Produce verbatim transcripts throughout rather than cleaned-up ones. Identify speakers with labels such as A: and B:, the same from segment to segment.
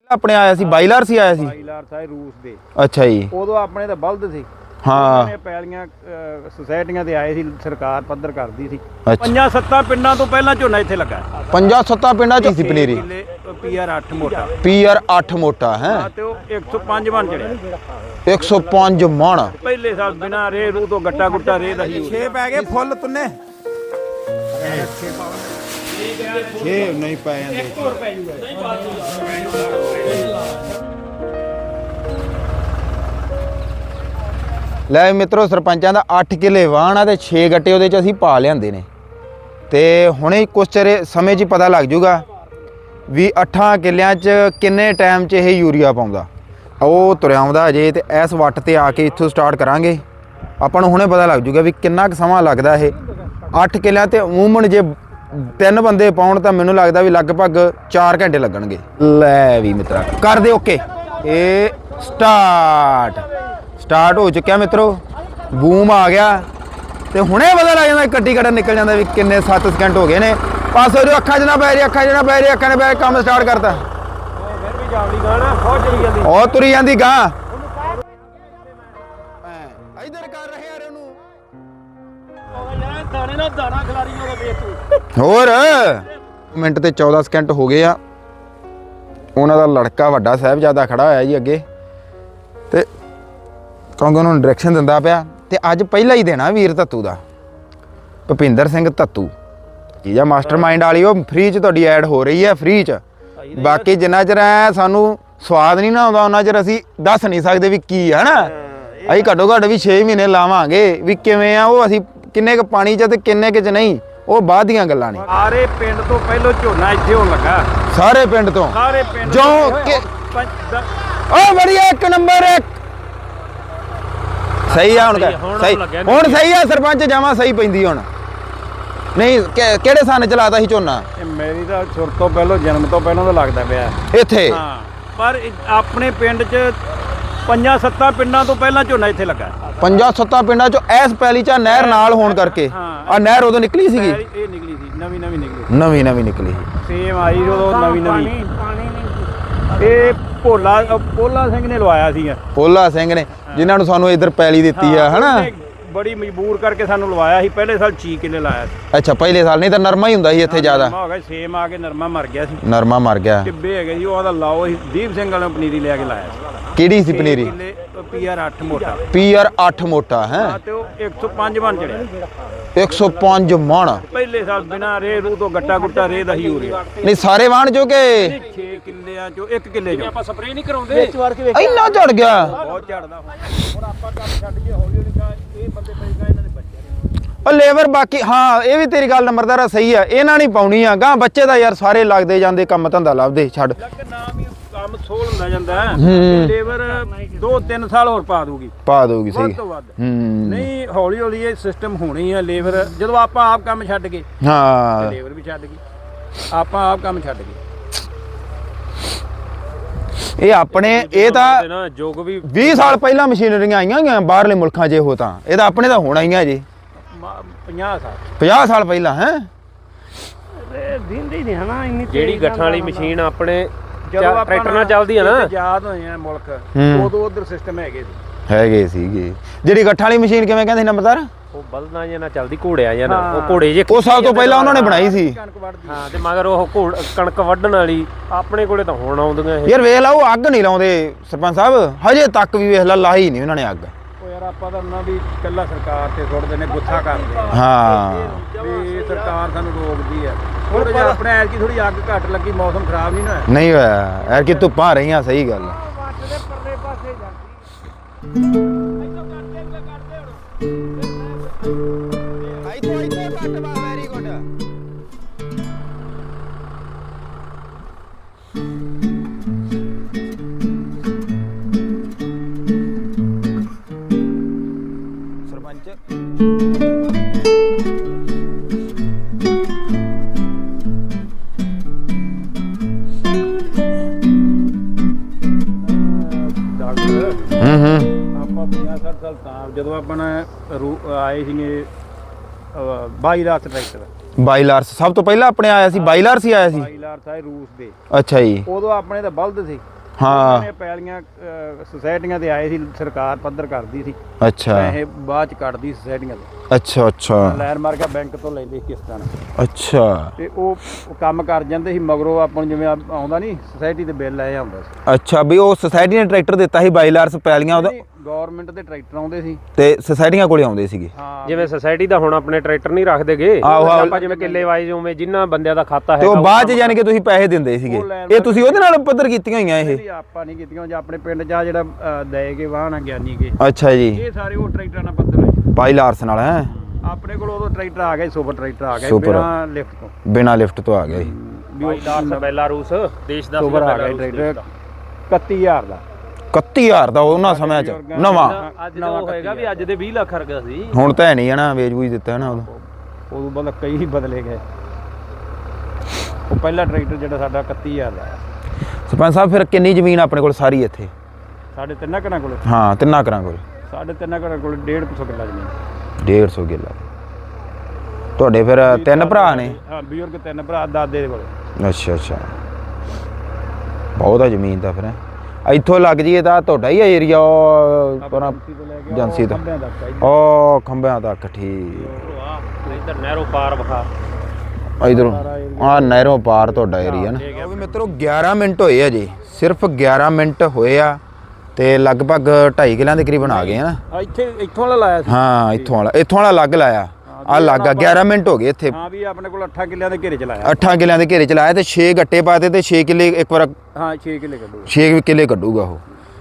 A: ਆਪਣੇ ਆਇਆ ਸੀ ਬਾਈਲਰ ਸੀ ਆਇਆ ਸੀ
B: ਬਾਈਲਰ ਸਾਈ ਰੂਸ ਦੇ।
A: ਅੱਛਾ ਜੀ।
B: ਉਦੋਂ ਆਪਣੇ ਤਾਂ ਬਲਦ ਸੀ।
A: ਹਾਂ
B: ਪੈਲੀਆਂ ਸੁਸਾਇਟੀਆਂ ਤੇ ਆਏ ਸੀ, ਸਰਕਾਰ ਪੱਧਰ ਕਰਦੀ ਸੀ। ਪੰਜਾਂ ਸੱਤਾਂ ਪਿੰਡਾਂ ਤੋਂ ਪਹਿਲਾਂ ਝੋਨਾ ਇੱਥੇ ਲੱਗਾ।
A: ਪੰਜਾਂ ਸੱਤਾਂ ਪਿੰਡਾਂ ਚ ਸੀ ਪਨੀਰੀ।
B: ਪੀ ਆਰ ਅੱਠ ਮੋਟਾ
A: ਪੀ ਆਰ ਅੱਠ ਮੋਟਾ ਹੈ
B: ਤੇ ਉਹ ਇੱਕ ਸੌ ਪੰਜ ਮਣ ਚੜਿਆ।
A: ਇੱਕ ਸੌ ਪੰਜ ਮਣ
B: ਪਹਿਲੇ ਸਾਲ ਬਿਨਾ ਰੇ ਰੂ ਤੋਂ ਗੱਟਾ ਗੁੱਟਾ ਰੇ ਦਾ ਹੀ
C: ਛੇ ਪੈ ਗਏ ਫੁੱਲ ਤੁੰਨੇ ਛੇ ਨਹੀਂ ਪੈ ਜਾਂਦੇ।
B: ਇੱਕ ਹੋਰ ਪੈ ਜੂਗਾ।
A: ਲੈ ਮਿੱਤਰੋ, ਸਰਪੰਚਾਂ ਦਾ ਅੱਠ ਕਿੱਲੇ ਵਾਹਣ ਆ ਤੇ ਛੇ ਗੱਟੇ ਉਹਦੇ ਚ ਅਸੀਂ ਪਾ ਲਿਆਂਦੇ ਨੇ ਤੇ ਹੁਣੇ ਕੁਛ ਚਿਰ ਸਮੇਂ 'ਚ ਪਤਾ ਲੱਗ ਜੂਗਾ ਵੀ ਅੱਠਾਂ ਕਿੱਲਿਆਂ 'ਚ ਕਿੰਨੇ ਟਾਈਮ 'ਚ ਇਹ ਯੂਰੀਆ ਪਾਉਂਦਾ। ਉਹ ਤੁਰਿਆ ਆਉਂਦਾ ਅਜੇ ਤੇ ਇਸ ਵੱਟ ਤੇ ਆ ਕੇ ਇੱਥੋਂ ਸਟਾਰਟ ਕਰਾਂਗੇ। ਆਪਾਂ ਨੂੰ ਹੁਣੇ ਪਤਾ ਲੱਗ ਜੂਗਾ ਵੀ ਕਿੰਨਾ ਕੁ ਸਮਾਂ ਲੱਗਦਾ ਇਹ ਅੱਠ ਕਿੱਲਿਆਂ ਤੇ। ਅਮੂਮਨ ਜੇ ਤਿੰਨ ਬੰਦੇ ਪਾਉਣ ਤਾਂ ਮੈਨੂੰ ਲੱਗਦਾ ਵੀ ਲਗਭਗ ਚਾਰ ਘੰਟੇ ਲੱਗਣਗੇ। ਲੈ ਵੀ ਮਿੱਤਰਾ ਕਰ ਦੇ ਓਕੇ। ਇਹ ਸਟਾਰਟ ਸਟਾਰਟ ਹੋ ਚੁੱਕਿਆ ਮਿੱਤਰੋ। ਬੂਮ ਆ ਗਿਆ ਤੇ ਹੁਣੇ ਪਤਾ ਲੱਗ ਜਾਂਦਾ ਕੱਟੀ ਕੱਟਾ ਨਿਕਲ ਜਾਂਦਾ ਵੀ ਕਿੰਨੇ ਸੱਤ ਸਕਿੰਟ ਹੋ ਗਏ ਨੇ। ਪਾਸੋਂ ਜੋ ਅੱਖਾਂ 'ਚ ਨਾ ਪੈ ਰਹੀ ਅੱਖਾਂ 'ਚ ਨਾ ਪੈ ਰਹੀ ਅੱਖਾਂ ਨੇ ਪੈ ਕੰਮ ਸਟਾਰਟ ਕਰਤਾ।
B: ਫਿਰ ਵੀ ਜਾਵੜੀ ਗਾਣਾ ਬਹੁਤ ਚਲੀ ਜਾਂਦੀ।
A: ਉਹ ਤੁਰੀ ਜਾਂਦੀ ਗਾਂ ਇਧਰ ਕਰ ਰਹੇ ਯਾਰ ਉਹਨੂੰ
B: ਯਾਰ ਦਾਣੇ ਨਾਲ ਦਾਣਾ ਖਿਲਾਰੀ ਉਹਦਾ ਵੇਖ ਤੂੰ।
A: ਹੋਰ ਮਿੰਟ ਤੇ ਚੌਦਾਂ ਸਕਿੰਟ ਹੋ ਗਏ ਆ। ਉਹਨਾਂ ਦਾ ਲੜਕਾ ਵੱਡਾ ਸਾਹਿਬਜ਼ਾਦਾ ਖੜਾ ਹੋਇਆ ਜੀ ਅੱਗੇ ਤੇ ਕਿਉਂਕਿ ਉਹਨੂੰ ਡਾਇਰੈਕਸ਼ਨ ਦਿੰਦਾ ਪਿਆ। ਤੇ ਅੱਜ ਪਹਿਲਾ ਹੀ ਦੇਣਾ ਵੀਰ ਧੱਤੂ ਦਾ, ਭੁਪਿੰਦਰ ਸਿੰਘ ਧੱਤੂ ਜੀ ਆ ਮਾਸਟਰ ਮਾਈਂਡ ਵਾਲੀ। ਉਹ ਫ੍ਰੀ 'ਚ ਤੁਹਾਡੀ ਐਡ ਹੋ ਰਹੀ ਹੈ ਫ੍ਰੀ 'ਚ। ਬਾਕੀ ਜਿੰਨਾ ਚਿਰ ਐ ਸਾਨੂੰ ਸਵਾਦ ਨਹੀਂ ਨਾ ਆਉਂਦਾ ਉਹਨਾਂ ਚਿਰ ਅਸੀਂ ਦੱਸ ਨਹੀਂ ਸਕਦੇ ਵੀ ਕੀ ਹੈ ਨਾ। ਅਸੀਂ ਘੱਟੋ ਘੱਟ ਵੀ ਛੇ ਮਹੀਨੇ ਲਾਵਾਂਗੇ ਵੀ ਕਿਵੇਂ ਆ ਉਹ, ਅਸੀਂ ਕਿੰਨੇ ਕੁ ਪਾਣੀ 'ਚ ਤੇ ਕਿੰਨੇ ਕੁ 'ਚ ਨਹੀਂ, ਉਹ ਬਾਅਦ ਦੀਆਂ ਗੱਲਾਂ ਨੇ।
B: ਸਾਰੇ ਪਿੰਡ ਤੋਂ ਪਹਿਲਾਂ ਝੋਨਾ ਇੱਥੇ ਹੋਣ ਲੱਗਾ।
A: ਸਾਰੇ ਪਿੰਡ ਤੋਂ
B: ਸਾਰੇ ਪਿੰਡ
A: ਜੋ ਉਹ ਬੜੀਆ ਇੱਕ ਨੰਬਰ ਇੱਕ ਸਹੀ ਆ ਹੁਣ ਸਹੀ ਹੁਣ ਸਹੀ ਆ ਸਰਪੰਚ ਜਾਵਾਂ ਸਹੀ ਪੈਂਦੀ ਹੁਣ ਨਹੀਂ। ਕਿਹੜੇ ਸਾਲ ਚਲਾਤਾ ਸੀ ਝੋਨਾ?
B: ਮੇਰੀ ਤਾਂ ਸੁਰ ਤੋਂ ਪਹਿਲਾਂ ਜਨਮ ਤੋਂ ਪਹਿਲਾਂ ਤਾਂ ਲੱਗਦਾ ਪਿਆ
A: ਇੱਥੇ।
B: ਹਾਂ ਪਰ ਆਪਣੇ ਪਿੰਡ 'ਚ ਪੰਜਾਂ ਸੱਤਾਂ ਪਿੰਡਾਂ ਤੋਂ ਪਹਿਲਾਂ ਝੋਨਾ ਇੱਥੇ ਲੱਗਾ।
A: ਪੰਜਾਂ ਸੱਤਾਂ ਪਿੰਡਾਂ 'ਚੋਂ ਐਸ ਪੈਲੀ 'ਚ ਨਹਿਰ ਨਾਲ ਹੋਣ ਕਰਕੇ ਆ ਨਹਿਰ ਉਦੋਂ ਨਿਕਲੀ ਸੀਗੀ।
B: ਇਹ ਨਿਕਲੀ ਸੀ ਨਵੀਂ ਨਵੀਂ ਨਿਕਲੀ
A: ਨਵੀਂ ਨਵੀਂ ਨਿਕਲੀ
B: ਸੇਮ ਆਈ ਉਦੋਂ ਨਵੀਂ ਨਵੀਂ। ਇਹ ਭੋਲਾ ਭੋਲਾ ਸਿੰਘ ਨੇ ਲਵਾਇਆ ਸੀ।
A: ਭੋਲਾ ਸਿੰਘ ਨੇ ਜਿਨ੍ਹਾਂ ਨੂੰ ਸਾਨੂੰ ਇੱਧਰ ਪੈਲੀ ਦਿੱਤੀ ਆ ਹਨਾ।
B: ਬੜੀ ਮਜਬੂਰ ਕਰਕੇ ਸਾਨੂੰ ਲਵਾਇਆ ਸੀ। ਪਹਿਲੇ ਸਾਲ ਛੇ ਕਿੱਲੇ ਲਾਇਆ ਸੀ।
A: ਅੱਛਾ ਪਹਿਲੇ ਸਾਲ ਨਹੀਂ ਤਾਂ ਨਰਮਾ ਹੀ ਹੁੰਦਾ ਸੀ ਇੱਥੇ ਜ਼ਿਆਦਾ।
B: ਹੋ ਗਿਆ ਸੇਮ ਆ ਕੇ ਨਰਮਾ ਮਰ ਗਿਆ ਸੀ।
A: ਨਰਮਾ ਮਰ ਗਿਆ।
B: ਟਿੱਬੇ ਹੈਗੇ ਜੀ ਉਹਦਾ ਲਾਓ ਸੀ। ਦੀਪ ਸਿੰਘ ਵਾਲੇ ਪਨੀਰੀ ਲੈ ਕੇ ਲਾਇਆ ਸੀ।
A: ਕਿਹੜੀ ਸੀ ਪਨੀਰੀ?
B: ਪੀ ਆਰ ਅੱਠ ਮੋਟਾ।
A: ਪੀ ਆਰ ਅੱਠ ਮੋਟਾ ਹੈ
B: ਤੇ ਉਹ ਇੱਕ ਸੌ ਪੰਜ ਮਣ ਚੜਿਆ।
A: ਇੱਕ ਸੌ ਪੰਜ ਮਣ
B: ਪਹਿਲੇ ਸਾਲ ਬਿਨਾ ਰੇ ਰੂ ਤੋਂ ਗੱਟਾ ਗੁੱਟਾ ਰੇ ਦਾ ਹੀ ਹੋ ਰਿਹਾ।
A: ਨਹੀਂ ਸਾਰੇ ਵਾਹਣ ਚੋਂ ਕਿ
B: ਛੇ ਕਿੱਲਿਆਂ ਚੋਂ ਇੱਕ ਕਿੱਲੇ ਚੋਂ ਆਪਾਂ ਸਪਰੇਅ ਨਹੀਂ ਕਰਾਉਂਦੇ।
A: ਇੰਨਾ ਝੜ ਗਿਆ
B: ਬਹੁਤ ਝੜਦਾ। ਹੁਣ ਆਪਾਂ ਕੰਮ ਛੱਡ ਕੇ ਹੌਲੀ ਹੌਲੀ ਕਾ ਇਹ ਬੰਦੇ ਪਏਗਾ ਇਹਨਾਂ ਦੇ ਬੱਚੇ
A: ਉਹ ਲੇਬਰ ਬਾਕੀ। ਹਾਂ ਇਹ ਵੀ ਤੇਰੀ ਗੱਲ ਨੰਬਰਦਾਰਾ ਸਹੀ ਆ। ਇਹਨਾਂ ਨਹੀਂ ਪਾਉਣੀ ਆ ਗਾਂ ਬੱਚੇ ਦਾ ਯਾਰ ਸਾਰੇ ਲੱਗਦੇ ਜਾਂਦੇ ਕੰਮ ਧੰਦਾ ਲੱਭਦੇ ਛੱਡ।
B: ਨਾਮ ਹੀ ਕੰਮ ਸੋਲ ਹੁੰਦਾ ਜਾਂਦਾ। ਲੇਬਰ ਦੋ ਤਿੰਨ ਸਾਲ ਹੋਰ ਪਾ ਦੂਗੀ
A: ਪਾ ਦੂਗੀ ਸਹੀ।
B: ਵੱਧ ਤੋਂ ਵੱਧ ਨਹੀਂ ਹੌਲੀ ਹੌਲੀ ਇਹ ਸਿਸਟਮ ਹੋਣੀ ਆ। ਲੇਬਰ ਜਦੋਂ ਆਪਾਂ ਆਪ ਕੰਮ ਛੱਡ ਗਏ
A: ਹਾਂ
B: ਲੇਬਰ ਵੀ ਛੱਡ ਗਈ। ਆਪਾਂ ਆਪ ਕੰਮ ਛੱਡ ਗਏ। ਇਹ ਆਪਣੇ ਇਹ ਤਾਂ ਜੋਗ ਵੀ ਵੀਹ ਸਾਲ ਪਹਿਲਾਂ ਮਸ਼ੀਨਰੀਆਂ ਆਈਆਂ ਗਈਆਂ ਬਾਹਰਲੇ ਮੁਲਕਾਂ 'ਚ। ਇਹੋ ਤਾਂ ਇਹ ਤਾਂ ਆਪਣੇ ਤਾਂ ਹੋਣਾ ਹੀ ਆ ਜੀ। ਪੰਜਾਹ ਸਾਲ ਪੰਜਾਹ ਸਾਲ ਪਹਿਲਾਂ ਹੈ ਦਿੰਦੇ ਹੀ ਨਹੀਂ ਹਨਾ। ਇੰਨੀ
D: ਜਿਹੜੀ ਗੱਠਾਂ ਵਾਲੀ ਮਸ਼ੀਨ ਆਪਣੇ ਟਰੈਕਟਰ ਨਾਲ ਚੱਲਦੀ ਆ ਨਾ।
B: ਆਜ਼ਾਦ ਹੋਏ ਆ ਮੁਲਕ ਉਦੋਂ ਉਧਰ ਸਿਸਟਮ ਹੈਗੇ ਸੀ
A: ਹੈਗੇ ਸੀਗੇ। ਜਿਹੜੀ ਗੱਠਾਂ ਵਾਲੀ ਮਸ਼ੀਨ ਕਿਵੇਂ ਕਹਿੰਦੇ ਨੰਬਰਦਾਰ?
D: ਉਹ ਬਲਦਾਂ ਜਾਂ ਨਾਲ ਚੱਲਦੀ ਘੋੜਿਆਂ ਜਾਂ ਨਾ। ਉਹ ਘੋੜੇ ਜੇ
A: ਉਹ ਸਭ ਤੋਂ ਪਹਿਲਾਂ ਉਹਨਾਂ ਨੇ ਬਣਾਈ ਸੀ।
D: ਹਾਂ ਤੇ ਮਗਰ ਉਹ ਘੋੜ ਕਣਕ ਵੱਢਣ ਵਾਲੀ ਆਪਣੇ ਕੋਲੇ ਤਾਂ ਹੁਣ ਆਉਂਦੀਆਂ ਇਹ।
A: ਯਾਰ ਵੇਖ ਲਾ ਉਹ ਅੱਗ ਨਹੀਂ ਲਾਉਂਦੇ ਸਰਪੰਚ ਸਾਹਿਬ ਹਜੇ ਤੱਕ ਵੀ। ਵੇਖ ਲਾ ਲਾਈ ਨਹੀਂ ਉਹਨਾਂ ਨੇ ਅੱਗ।
B: ਉਹ ਯਾਰ ਆਪਾਂ ਤਾਂ ਉਹਨਾਂ ਵੀ ਇਕੱਲਾ ਸਰਕਾਰ ਤੇ ਸੁੱਟਦੇ ਨੇ ਗੁੱਸਾ ਕਰਦੇ ਆ।
A: ਹਾਂ
B: ਵੀ ਸਰਕਾਰ ਸਾਨੂੰ ਰੋਕਦੀ ਆ। ਥੋੜਾ ਜਿਹਾ ਆਪਣੇ ਐਰ ਕੀ ਥੋੜੀ ਅੱਗ ਘੱਟ ਲੱਗੀ। ਮੌਸਮ ਖਰਾਬ ਨਹੀਂ ਨਾ
A: ਨਹੀਂ ਹੋਇਆ ਐਰ ਕਿ ਧੁੱਪਾਂ ਰਹੀਆਂ। ਸਹੀ ਗੱਲ ਵੈਰੀ ਗੁੱਡ। ਸਰਪੰਚ ਹੂੰ ਹੂੰ
B: ਆਪਾਂ ਪੰਜਾਹ ਸੱਠ ਸਾਲ ਤਾਂ ਜਦੋਂ ਆਪਾਂ ਆਏ ਸੀਗੇ ਬਾਈਲਰ ਟਰੈਕਟਰ।
A: ਬਾਈਲਰਸ ਸਭ ਤੋਂ ਪਹਿਲਾਂ ਆਪਣੇ ਆਇਆ ਸੀ। ਬਾਈਲਰ ਸੀ ਆਇਆ ਸੀ।
B: ਬਾਈਲਰ ਸਾਈ ਰੂਸ ਦੇ।
A: ਅੱਛਾ ਜੀ।
B: ਉਦੋਂ ਆਪਣੇ ਤਾਂ ਬਲਦ ਸੀ।
A: ਹਾਂ
C: ਇਹ ਪੈਲੀਆਂ ਅਹ, ਸੁਸਾਇਟੀਆਂ ਤੇ ਆਏ ਸੀ, ਸਰਕਾਰ ਪੱਧਰ ਕਰਦੀ ਸੀ,
A: ਅੱਛਾ
C: ਪੈਸੇ ਬਾਅਦ ਚ ਕੱਢਦੀ ਸੁਸਾਇਟੀਆਂ ਤੋਂ,
A: ਅੱਛਾ ਅੱਛਾ
C: ਲੈਣ ਮਾਰ ਕੇ ਬੈਂਕ ਤੋਂ ਲੈਂਦੇ ਸੀ ਕਿਸ਼ਤਾਂ ਨਾਲ,
A: ਅੱਛਾ
C: ਤੇ ਉਹ ਉਹ ਕੰਮ ਕਰ ਜਾਂਦੇ ਸੀ। ਮਗਰੋਂ ਆਪਾਂ ਨੂੰ ਜਿਵੇਂ ਆ- ਆਉਂਦਾ ਨਹੀਂ ਸੁਸਾਇਟੀ ਦੇ ਬਿੱਲ ਆਏ ਆਉਂਦਾ ਸੀ,
A: ਅੱਛਾ ਵੀ ਉਹ ਸੁਸਾਇਟੀ ਨੇ ਟਰੈਕਟਰ ਦਿੱਤਾ ਸੀ ਬਾਈਲਾਰਸ ਪੈਲੀਆਂ ਉਹਦਾ
C: ਗਵਰਨਮੈਂਟ ਦੇ ਟਰੈਕਟਰ ਆਉਂਦੇ ਸੀ।
A: ਤੇ ਸੁਸਾਇਟੀਆਂ ਕੋਲੇ ਆਉਂਦੇ ਸੀਗੇ
C: ਹਾਂ
D: ਜਿਵੇਂ ਸੁਸਾਇਟੀ ਦਾ ਹੁਣ ਆਪਣੇ ਟਰੈਕਟਰ ਨਹੀਂ ਰੱਖਦੇਗੇ,
A: ਆਹੋ, ਆਹੋ।
D: ਆਪਾਂ ਜਿਵੇਂ ਕਿੱਲੇ ਵਾਈਜ਼ ਉਵੇਂ ਜਿੰਨਾ ਬੰਦਿਆਂ ਦਾ ਖਾਤਾ
A: ਤੇ
D: ਹੈਗਾ
A: ਉਹ ਬਾਅਦ ਚ ਯਾਨੀ ਕਿ ਤੁਸੀਂ ਪੈਸੇ ਦਿੰਦੇ ਸੀਗੇ, ਇਹ ਤੁਸੀਂ ਉਹਦੇ ਨਾਲ ਪੱਧਰ ਕੀਤੀਆਂ ਹੋਈਆਂ ਇਹ?
C: ਨਹੀਂ, ਆਪਾਂ ਨਹੀਂ ਕੀਤੀਆਂ, ਜਾਂ ਆਪਣੇ ਪਿੰਡ ਜਾ ਜਿਹੜਾ ਅਹ, ਦਏ ਕੇ ਵਾਹਨ ਆ ਗਿਆਨੀ ਕੇ,
A: ਅੱਛਾ ਜੀ
C: ਇਹ ਸਾਰੇ ਉਹ ਟਰੈਕਟਰਾਂ ਨਾਲ ਪੱਧਰ ਹੋਏ।
A: ਬਾਈਲਾਰਸ ਨਾਲ ਹੈ
C: ਆਪਣੇ ਕੋਲ ਉਦੋਂ ਟਰੈਕਟਰ ਆ ਗਏ, ਸੁਪਰ ਟਰੈਕਟਰ ਆ ਗਏ
A: ਸੁਪਰ।
C: ਬਿਨਾਂ ਲਿਫਟ ਤੋਂ,
A: ਬਿਨਾਂ ਲਿਫਟ ਤੋਂ ਆ ਗਿਆ ਜੀ
C: ਵੀ ਉਹ
D: ਬਾਈਲਾਰਸ ਬੈਲਾਰੂਸ ਦੇਸ਼ ਦਾ
C: ਸੁਪਰ ਆ ਗਿਆ
D: ਬੈਲਾਰੂਸ
C: ਟਰੈਕਟਰ
D: ਦੇਸ਼ ਦਾ।
C: ਇਕੱਤੀ ਹਜ਼ਾਰ ਦਾ।
A: ਇਕੱਤੀ ਹਜ਼ਾਰ ਦਾ ਉਹਨਾਂ ਸਮਿਆਂ ਚ ਨਵਾਂ,
D: ਅੱਜ ਤਾਂ ਉਹ ਹੋਏਗਾ ਵੀ ਅੱਜ ਦੇ ਵੀਹ ਲੱਖ ਰੁਪਏ ਸੀ।
A: ਹੁਣ ਤਾਂ ਹੈ ਨਹੀਂ ਹੈ ਨਾ, ਵੇਚ ਬੂਝ ਦਿੱਤਾ ਨਾ ਉਦੋਂ।
C: ਉਦੋਂ ਬਾਅਦ ਕਈ ਹੀ ਬਦਲੇ ਗਏ। ਉਹ ਪਹਿਲਾ ਟਰੈਕਟਰ ਜਿਹੜਾ ਸਾਡਾ ਇਕੱਤੀ ਹਜ਼ਾਰ ਦਾ ਆਇਆ।
A: ਸਰਪੰਚ ਸਾਹਿਬ ਫਿਰ ਕਿੰਨੀ ਜ਼ਮੀਨ ਆਪਣੇ ਕੋਲ ਸਾਰੀ ਇੱਥੇ?
C: ਸਾਡੇ ਤਿੰਨਾਂ ਘਰਾਂ ਕੋਲ
A: ਹਾਂ ਤਿੰਨਾਂ ਘਰਾਂ ਕੋਲ
C: ਸਾਡੇ ਤਿੰਨਾਂ ਘਰਾਂ ਕੋਲ ਡੇਢ ਕੁ ਸੌ ਕਿੱਲਾ ਜ਼ਮੀਨ।
A: ਡੇਢ ਸੌ ਕਿੱਲਾ। ਤੁਹਾਡੇ ਫਿਰ ਤਿੰਨ ਭਰਾ ਨੇ?
C: ਹਾਂ ਬਜ਼ੁਰਗ ਤਿੰਨ ਭਰਾ, ਦਾਦੇ ਦੇ ਕੋਲ।
A: ਅੱਛਾ ਅੱਛਾ ਬਹੁਤ ਆ ਜ਼ਮੀਨ ਤਾਂ ਫਿਰ। ਇੱਥੋਂ ਲੱਗ ਜੀਏ ਤਾਂ ਤੁਹਾਡਾ ਹੀ ਏਰੀਆ ਪਰ ਏਜੰਸੀ ਤੋਂ
C: ਖੰਭਿਆਂ ਤੱਕ ਆਈ।
A: ਉਹ ਖੰਭਿਆਂ ਤੱਕ ਠੀਕ।
D: ਇੱਧਰ ਨਹਿਰੋ ਪਾਰ ਵਿਖਾ,
A: ਇਧਰੋਂ ਆ ਨਹਿਰੋਂ ਪਾਰ ਤੁਹਾਡਾ ਏਰੀਆ ਨਾ। ਉਹ ਵੀ ਮਿੱਤਰੋ ਗਿਆਰਾਂ ਮਿੰਟ ਹੋਏ ਆ ਜੀ, ਸਿਰਫ ਗਿਆਰਾਂ ਮਿੰਟ ਹੋਏ ਆ ਤੇ ਲਗਭਗ ਢਾਈ ਕਿੱਲਿਆਂ ਦੇ ਕਰੀਬਨ ਆ ਗਏ ਆ ਨਾ।
C: ਆ ਇੱਥੇ ਇੱਥੋਂ ਵਾਲਾ ਲਾਇਆ ਸੀ।
A: ਹਾਂ ਇੱਥੋਂ ਵਾਲਾ ਇੱਥੋਂ ਵਾਲਾ ਲੱਗ ਲਾਇਆ ਆ ਲੱਗਾ ਗਿਆਰਾਂ ਮਿੰਟ ਹੋ ਗਏ ਇੱਥੇ।
C: ਹਾਂ ਵੀ ਆਪਣੇ ਕੋਲ ਅੱਠਾਂ ਕਿੱਲਿਆਂ ਦੇ ਘੇਰੇ ਚ ਲਾਇਆ।
A: ਅੱਠਾਂ ਕਿੱਲਿਆਂ ਦੇ ਘੇਰੇ ਚ ਲਾਇਆ ਤੇ ਛੇ ਗੱਟੇ ਪਾਤੇ ਤੇ ਛੇ ਕਿੱਲੇ ਇੱਕ ਵਾਰ
C: ਹਾਂ ਛੇ ਕਿੱਲੇ ਕੱਢੂ।
A: ਛੇ ਕਿੱਲੇ ਕੱਢੂਗਾ ਉਹ।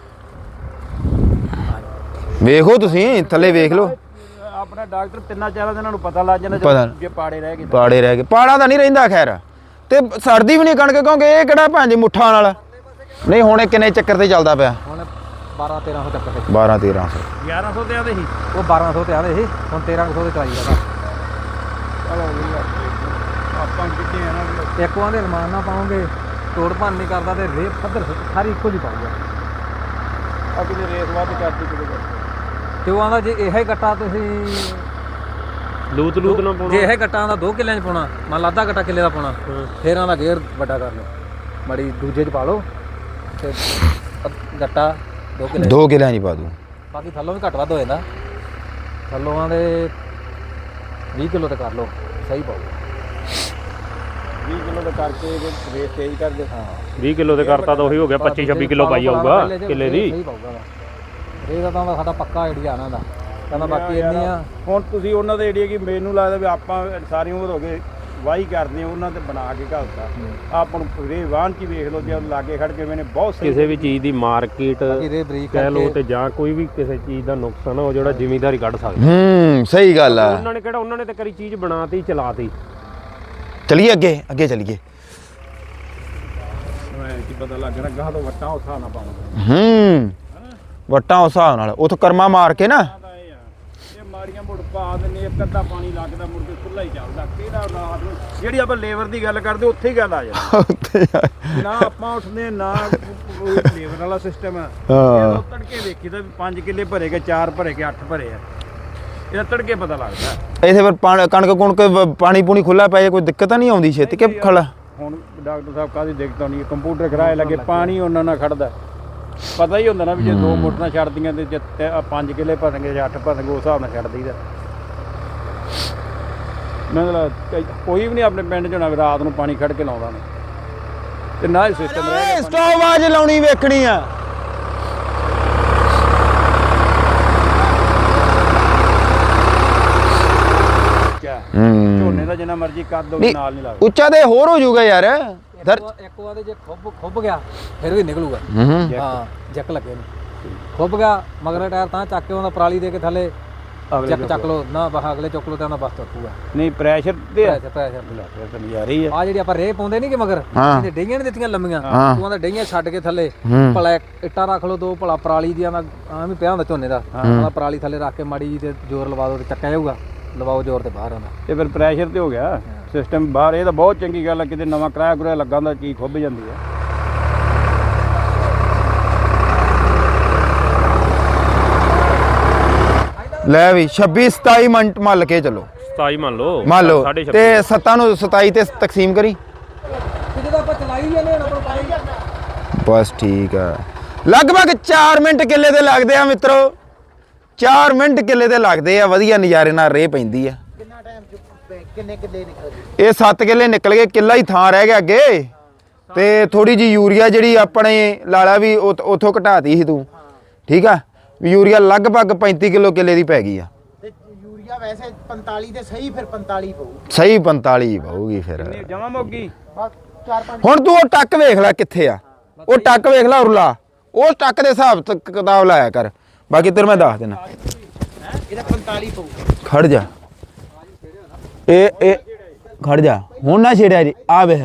A: ਵੇਖੋ ਤੁਸੀਂ ਥੱਲੇ ਵੇਖ ਲਓ।
C: ਆਪਣਾ ਡਾਕਟਰ ਤਿੰਨਾਂ ਚਾਰਾਂ ਦਿਨਾਂ ਨੂੰ ਪਤਾ ਲੱਗ ਜਾਂਦਾ
A: ਪਤਾ।
C: ਜੇ ਪਾੜੇ ਰਹਿ ਗਏ।
A: ਪਾੜੇ ਰਹਿ ਗਏ, ਪਾੜਾ ਤਾਂ ਨਹੀਂ ਰਹਿੰਦਾ ਖੈਰ, ਤੇ ਸਰਦੀ ਵੀ ਨਹੀਂ ਕਣਕ ਕਿਉਂਕਿ ਇਹ ਕਿਹੜਾ ਭਾਂਜੀ ਮੁੱਠਾਂ ਨਾਲ ਨਹੀਂ। ਹੁਣ ਇਹ ਕਿੰਨੇ ਚੱਕਰ ਤੇ ਚੱਲਦਾ ਪਿਆ?
E: ਹੁਣ ਬਾਰਾਂ ਤੇਰਾਂ ਸੌ ਚੱਕਰ ਤੇ
A: ਬਾਰਾਂ ਤੇਰਾਂ ਸੌ।
C: ਗਿਆਰਾਂ ਸੌ ਤੇ ਆਦੇ ਸੀ।
E: ਉਹ ਬਾਰਾਂ ਸੌ ਤੇ ਆਦੇ ਸੀ, ਹੁਣ ਤੇਰਾਂ ਸੌ ਤੇ ਚਲਾਈ ਜਾਂਦਾ।
C: ਚਲੋ ਵੀ ਆਪਾਂ ਕਿੱਥੇ ਆ ਨਾ
E: ਇੱਕ ਵਾਂ ਦੇ ਅਲਮਾਨ ਨਾ ਪਾਉਂਗੇ, ਤੋੜ ਭੰਨ ਨਹੀਂ ਕਰਦਾ ਤੇ ਰੇਤ ਪੱਧਰ ਸਾਰੀ ਇੱਕੋ ਜਿਹੀ ਪਾਊਗਾ।
C: ਅੱਗੇ ਜੇ ਰੇਸ ਵੱਧ ਕਰਦੀ ਕਿਤੇ
E: ਤੇ ਉਹ ਆਂਦਾ ਜੇ ਇਹੋ ਹੀ ਗੱਟਾ ਤੁਸੀਂ
D: ਲੂਤ ਲੂਤ ਨਾ ਪਾਉਣਾ।
E: ਜੇ ਇਹ ਗੱਟਾਂ ਦਾ ਦੋ ਕਿੱਲਿਆਂ 'ਚ ਪਾਉਣਾ, ਮੰਨ ਲਾ ਅੱਧਾ ਗੱਟਾ ਕਿੱਲੇ ਦਾ ਪਾਉਣਾ, ਫੇਰ ਆਂਦਾ ਗੇਅਰ ਵੱਡਾ ਕਰ ਲਓ, ਮੜੀ ਦੂਜੇ 'ਚ ਪਾ ਲਓ ਤੇ ਅੱਧ- ਗੱਟਾ ਦੋ ਕਿੱਲੇ
A: ਦੋ ਕਿੱਲਿਆਂ ਨਹੀਂ ਪਾ ਦੂੰ।
E: ਬਾਕੀ ਥੱਲੋਂ ਵੀ ਘੱਟ ਵੱਧ ਹੋ ਜਾਂਦਾ। ਥੱਲੋਂ ਆਂਦੇ ਵੀਹ ਕਿਲੋ ਤੇ ਕਰ ਲਓ, ਸਹੀ ਪਾਊਗਾ।
C: ਵੀਹ ਕਿਲੋ ਦਾ ਕਰਕੇ ਰੇਸ ਤੇਜ਼ ਕਰ ਦੇ।
E: ਹਾਂ
D: ਵੀਹ ਕਿਲੋ ਤੇ ਕਰਤਾ ਤਾਂ ਉਹੀ ਹੋ ਗਿਆ ਪੱਚੀ ਛੱਬੀ ਕਿਲੋ ਪਾਈ ਆਊਗਾ ਕਿੱਲੇ ਦੀ।
E: ਸਹੀ ਪਾਊਗਾ। ਇਹ ਤਾਂ ਤਾਂ ਸਾਡਾ ਪੱਕਾ ਆਈਡੀਆ ਇਹਨਾਂ ਦਾ, ਕਹਿੰਦਾ ਬਾਕੀ ਇੰਨੀ ਆ।
C: ਹੁਣ ਤੁਸੀਂ ਉਹਨਾਂ ਦੇ ਏਰੀਆ ਕੀ ਮੈਨੂੰ ਲੱਗਦਾ ਵੀ ਆਪਾਂ ਸਾਰੀ ਉਮਰ ਹੋ ਗਏ ਵਾਹੀ ਕਰਦੇ ਆ, ਉਹਨਾਂ ਤੇ ਬਣਾ ਕੇ ਘਲਤਾ। ਆਪਾਂ ਨੂੰ ਰੇ ਵਾਹਨ ਚ ਹੀ ਵੇਖ ਲਓ, ਜੇ ਲਾਗੇ ਖੜ ਕੇ ਮੈਨੇ ਬਹੁਤ ਸਹੀ
D: ਕਿਸੇ ਵੀ ਚੀਜ਼ ਦੀ ਮਾਰਕੀਟ
E: ਰੇ ਬਰੀਕ
D: ਕਹਿ ਲੋ ਤੇ ਜਾਂ ਕੋਈ ਵੀ ਕਿਸੇ ਚੀਜ਼ ਦਾ ਨੁਕਸਾਨ ਉਹ ਜਿਹੜਾ ਜ਼ਿਮੀਂਦਾਰ ਹੀ ਕੱਢ ਸਕਦਾ।
A: ਹੂੰ ਸਹੀ ਗੱਲ ਆ।
D: ਉਹਨਾਂ ਨੇ ਕਿਹੜਾ ਉਹਨਾਂ ਨੇ ਤੇ ਕਰੀ ਚੀਜ਼ ਬਣਾਤੀ ਚਲਾਤੀ।
A: ਚਲੀਏ ਅੱਗੇ ਅੱਗੇ ਚਲੀਏ।
C: ਕੀ ਪਤਾ ਲੱਗ ਰਿਹਾ ਗਾਹ ਤੋਂ ਵੱਟਾਂ ਉਠਾ ਨਾ ਪਾਉਣਾ।
A: ਹੂੰ ਵਟਾਂ ਉਸ ਹਿਸਾਬ ਨਾਲ ਉੱਥੋਂ ਕਰਮਾ ਮਾਰ ਕੇ ਨਾ
C: ਇਹ ਆ ਇਹ ਮਾੜੀਆਂ ਮੁੜ ਪਾ ਦਿੰਦੇ, ਇੱਕ ਅੱਧਾ ਪਾਣੀ ਲੱਗਦਾ, ਮੁੜ ਕੇ ਖੁੱਲਾ ਹੀ ਚੱਲਦਾ। ਕਿਹੜਾ ਰਾਤ ਨੂੰ ਜਿਹੜੀ ਆਪਾਂ ਲੇਬਰ ਦੀ ਗੱਲ ਕਰਦੇ ਉੱਥੇ ਹੀ ਗੱਲ ਆ ਜਾਂਦੀ। ਨਾ ਆਪਾਂ ਉੱਠਦੇ ਨਾ ਲੇਬਰ ਵਾਲਾ ਸਿਸਟਮ ਆ।
A: ਹਾਂ
C: ਤੜਕੇ ਵੇਖੀ ਤਾਂ ਪੰਜ ਕਿੱਲੇ ਭਰੇ ਗਏ, ਚਾਰ ਭਰੇ ਗਏ, ਅੱਠ ਭਰੇ ਆ। ਇਹਦਾ ਤੜਕੇ ਪਤਾ ਲੱਗਦਾ।
A: ਇੱਥੇ ਫਿਰ ਪਾਣੀ ਕਣਕ ਕੁਣਕ ਪਾਣੀ ਪੂਣੀ ਖੁੱਲਾ ਪੈ ਜਾਏ ਕੋਈ ਦਿੱਕਤ ਤਾਂ ਨਹੀਂ ਆਉਂਦੀ ਛੇਤੀ ਕਿ ਖੜਾ?
C: ਹੁਣ ਡਾਕਟਰ ਸਾਹਿਬ ਕਾਹਦੀ ਦਿੱਕਤ ਆਉਣੀ ਹੈ, ਕੰਪਿਊਟਰ ਕਿਰਾਏ ਲੱਗੇ, ਪਾਣੀ ਉਹਨਾਂ ਨਾਲ ਖੜਦਾ। ਪਤਾ ਹੀ ਹੁੰਦਾ ਨਾ ਵੀ ਜੇ ਦੋ ਮੋਟਰਾਂ ਛੱਡਦੀਆਂ ਤੇ ਜੇ ਤੇ ਆਹ ਪੰਜ ਕਿੱਲੇ ਭਰਨਗੇ ਜਾਂ ਅੱਠ ਭਰਨਗੇ ਉਸ ਹਿਸਾਬ ਨਾਲ ਛੱਡ ਦਈਦਾ। ਮਤਲਬ ਕਈ- ਕੋਈ ਵੀ ਨਹੀਂ ਆਪਣੇ ਪਿੰਡ 'ਚ ਹੋਣਾ ਵੀ ਰਾਤ ਨੂੰ ਪਾਣੀ ਖੜ ਕੇ ਲਾਉਂਦਾ ਨੇ, ਤੇ ਨਾ ਹੀ ਸਿਸਟਮ ਰਹਿ ਗਿਆ।
A: ਸਟੋਵ ਆਜ ਲਾਉਣੀ ਵੇਖਣੀ ਆ।
C: ਕਿਆ
A: ਹੂੰ
C: ਝੋਨੇ ਦਾ ਜਿੰਨਾ ਮਰਜ਼ੀ ਕਰ ਦੋ
A: ਨਹੀਂ,
C: ਨਾਲ ਨਹੀਂ ਲੱਗਦਾ।
A: ਉੱਚਾ ਤੇ ਹੋਰ ਹੋ ਜਾਊਗਾ ਯਾਰ। ਦਰ
E: ਇੱਕ ਵਾਰ ਜੇ ਖੁੱਬ ਖੁੱਬ ਗਿਆ ਫਿਰ ਵੀ ਨਿਕਲੂਗਾ।
A: ਹੂੰ
E: ਹਾਂ ਜੱਕ ਲੱਗੇ ਨੇ, ਖੁੱਬ ਗਿਆ ਮਗਰ ਟਾਇਰ ਤਾਂ ਚੱਕ ਕੇ ਉਹਦਾ ਪਰਾਲੀ ਦੇ ਕੇ ਥੱਲੇ ਚੱਕ ਚੱਕ ਲੋ ਨਾ, ਬਾਹ ਅਗਲੇ ਚੁੱਕ ਲੋ ਤੇ ਉਹਦਾ ਬਸ ਤੁਰੂਗਾ।
C: ਨਹੀਂ ਪ੍ਰੈਸ਼ਰ ਤੇ ਆ
E: ਪ੍ਰੈਸ਼ਰ ਪ੍ਰੈਸ਼ਰ
C: ਫਿਰ ਤਾਂ ਨਜ਼ਾਰੇ ਹੀ ਆ।
E: ਆ ਜਿਹੜੀ ਆਪਾਂ ਰੇ ਪਾਉਂਦੇ ਨਹੀਂ ਕਿ ਮਗਰ
A: ਹਾਂ।
E: ਇਹਨੇ ਡਈਆਂ ਨਹੀਂ ਦਿੱਤੀਆਂ ਲੰਮੀਆਂ,
A: ਹਾਂ।
E: ਤੂੰ ਆਂਦਾ ਡਈਆਂ ਛੱਡ ਕੇ ਥੱਲੇ
A: ਹੂੰ।
E: ਭਲਾ ਇੱਟਾਂ ਰੱਖ ਲੋ ਦੋ, ਭਲਾ ਪਰਾਲੀ ਦੀਆਂ ਦਾ ਐਵੇਂ ਪਿਆ ਹੁੰਦਾ ਝੋਨੇ ਦਾ, ਉਹਦਾ ਪਰਾਲੀ ਥੱਲੇ ਰੱਖ ਕੇ ਮਾੜੀ ਜੀ ਤੇ ਜ਼ੋਰ ਲਵਾ ਦੋ ਤੇ ਚੱਕਿਆ ਜਾਊਗਾ। ਲਵਾਓ ਜ਼ੋਰ ਤੇ ਬਾਹਰ ਆਉਂਦਾ।
C: ਤੇ ਫਿਰ ਪ੍ਰੈਸ਼ਰ ਤੇ ਹੋ ਗਿਆ ਸਿਸਟਮ ਬਾਹਰ। ਇਹ ਤਾਂ ਬਹੁਤ ਚੰਗੀ ਗੱਲ ਆ, ਕਿਤੇ ਨਵਾਂ ਕਿਰਾਇਆ ਕੁਰਾਇਆ ਲੱਗਾ ਹੁੰਦਾ ਚੀਜ਼ ਖੁੱਭ ਜਾਂਦੀ ਆ।
A: ਲੈ ਵੀ ਛੱਬੀ ਸਤਾਈ ਮਿੰਟ ਮੱਲ ਕੇ ਚੱਲੋ।
D: ਸਤਾਈ ਮੰਨ ਲਓ
A: ਮੰਨ ਲਓ
D: ਸਾਢੇ ਛੱਬੀ।
A: ਤੇ ਸੱਤਾਂ ਨੂੰ ਸਤਾਈ ਤੇ ਤਕਸੀਮ ਕਰੀ।
E: ਤੇ ਜਦੋਂ ਆਪਾਂ ਚਲਾਈ ਜਾਂਦੇ ਹਾਂ ਨਾ
A: ਬਸ ਠੀਕ ਆ। ਲਗਭਗ ਚਾਰ ਮਿੰਟ ਕਿੱਲੇ ਦੇ ਲੱਗਦੇ ਆ ਮਿੱਤਰੋ, ਚਾਰ ਮਿੰਟ ਕਿੱਲੇ ਦੇ ਲੱਗਦੇ ਆ। ਵਧੀਆ ਨਜ਼ਾਰੇ ਨਾਲ ਰੇਹ ਪੈਂਦੀ ਆ।
F: ਕਿੰਨਾ ਟਾਈਮ ਕਿੰਨੇ ਕਿੱਲੇ ਨਿਕਲਦੇ?
A: ਇਹ ਸੱਤ ਕਿੱਲੇ ਨਿਕਲ ਗਏ, ਕਿੱਲਾ ਹੀ ਥਾਂ ਰਹਿ ਗਿਆ ਅੱਗੇ। ਤੇ ਥੋੜੀ ਜੀ ਯੂਰੀਆ ਜਿਹੜੀ ਆਪਣੇ ਲਾਲਾ ਵੀ ਉਥੋਂ ਘਟਾਤੀ ਸੀ ਤੂੰ, ਠੀਕ ਆ। ਯੂਰੀਆ ਲਗਭਗ ਪੈਂਤੀ ਕਿਲੋ ਕਿੱਲੇ ਦੀ ਪੈ ਗਈ ਆ।
F: ਤੇ ਯੂਰੀਆ ਵੈਸੇ ਪੰਤਾਲੀ ਤੇ ਸਹੀ, ਫਿਰ ਪੰਤਾਲੀ ਪਊ।
A: ਸਹੀ ਪੰਤਾਲੀ ਪਾਊਗੀ ਫਿਰ।
C: ਜਮਾ ਮੁੱਕੀ
F: ਬਸ ਚਾਰ ਪੰਜ।
A: ਹੁਣ ਤੂੰ ਉਹ ਟੱਕ ਵੇਖ ਲੈ ਕਿੱਥੇ ਆ, ਉਹ ਟੱਕ ਵੇਖ ਲੈ ਉਰਲਾ, ਉਸ ਟੱਕ ਦੇ ਹਿਸਾਬ ਤੋਂ ਕਿਤਾਬ ਲਾਇਆ ਕਰ। ਬਾਕੀ ਤੇਰੇ ਮੈਂ ਦੱਸ ਦੇਣਾ।
F: ਇਹਦਾ ਪੰਤਾਲੀ ਪਊ।
A: ਖੜ ਜਾ, ਇਹ ਇਹ ਖੜ ਜਾ, ਹੁਣ ਨਾ ਛੇੜਿਆ ਜੀ। ਆ ਵੇਖ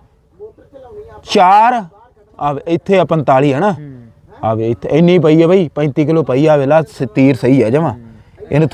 A: ਚਾਰ, ਆ ਇੱਥੇ ਆ ਪੰਤਾਲੀ ਹੈ ਨਾ, ਆ ਵੇ ਇੱਥੇ ਇੰਨੀ ਪਈ ਹੈ ਬਈ, ਪੈਂਤੀ ਕਿਲੋ ਪਈ ਆ। ਵੇਲਾ ਤੀਰ ਸਹੀ ਆ ਜਮਾ। ਇਹਨੂੰ